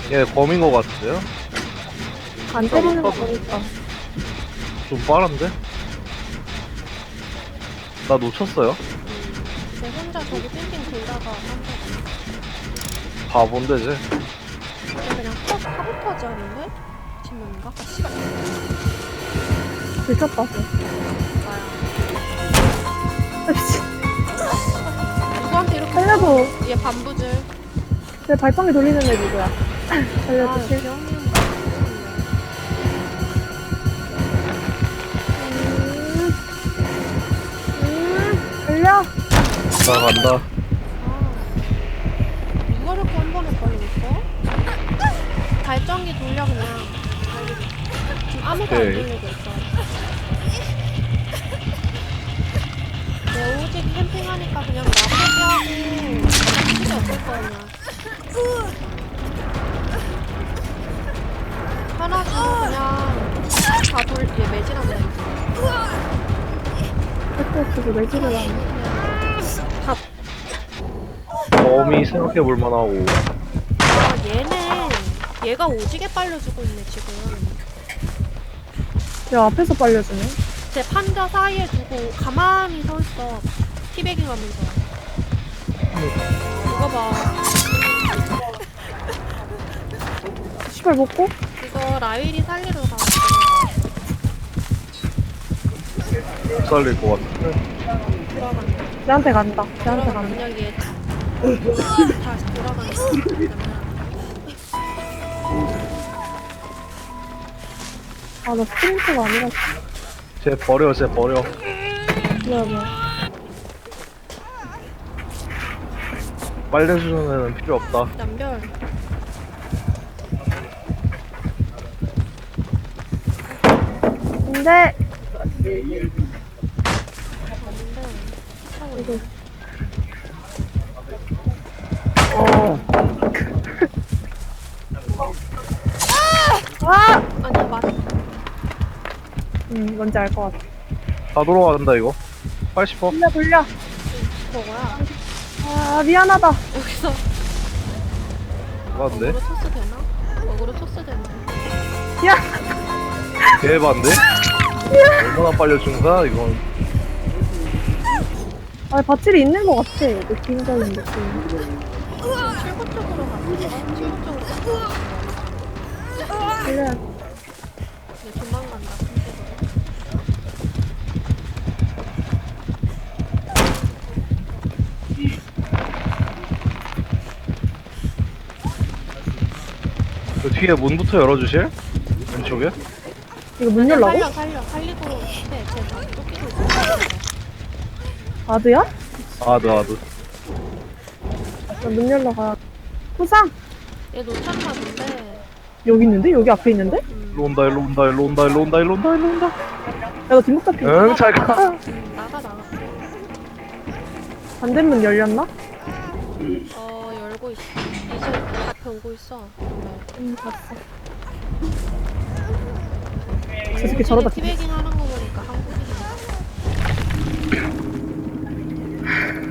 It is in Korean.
얘 검인 거 같은데요? 안 때리는 거 보니까. 좀 빠른데? 나 놓쳤어요? 쟤 혼자 저기 빙빙 돌다가 한대 바본데 쟤. 그냥 사보타지 하는데? 팀명인가? 아 씨발 들켰다. 나야 누구한테 이렇게 살려도 얘 반부질 내 발판기 돌리는 애 누구야? 아 살려도 실. 기영이는 달려. 나 간다. 누가 이렇게 한 번에 빨리 올까? 발전기 돌려 그냥 지금 아무도 안 오케이. 돌리고 있어 내 오직 캠핑하니까 그냥 나 포기하고 필요 없을 거 아니야 하나 주고 그냥 얘 매질하면 되겠어 백도 쓰고 매질을 하네. 범위 생각해볼 만하고. 얘가 오지게 빨려주고 있네 지금 야, 앞에서 빨려주네. 제 판자 사이에 두고 가만히 서 있어 티베깅 하면서 이거 봐 시발 먹고? 이거 라일이 살리러 가 못 살릴 것 같은데. 돌아간다 걔한테 간다. 걔한테 돌아간다 간다. 그냥 얘 다시 돌아간다 아, 나 스프린트가 아니라. 쟤 버려, 쟤 버려. 뭐야. 빨래주는 애는 필요 없다. 남별 근데, 아닌데 하고 있네 아! 아니 맞 뭔지 알 것 같아. 다 돌아간다, 이거. 80%? 돌려. 저거야 아, 미안하다. 여기서 맞네. 어그로 토스 되나? 어그로 토스 되나? 야! 개반데? 얼마나 빨려준 거야, 이건. 아, 밧줄이 있는 것 같아. 느낌적인 느낌. 출구 쪽으로 갔어 출구 쪽으로 갔어 그래. 얘 도망간다 핑계로 그 뒤에 문부터 열어주실? 왼쪽에? 이거 문 열라고? 살리고 쟤나 쫓기고 있어 아드야? 아드. 나 문 열러 가야. 후상! 얘 놓쳤나 본데 여기 있는데? 여기 앞에 있는데? 일로 온다, 일로 온다, 일로 온다, 일로 온다, 일로 온다, 일로 온다. 야, 너 뒷목 잡힌 거. 응, 잘 가. 나가 반대문 열렸나? 열고 있어 이제 앞에 오고 있어 봤어. 저 새끼 저러다 티베깅 하는 거 보니까 한국인이야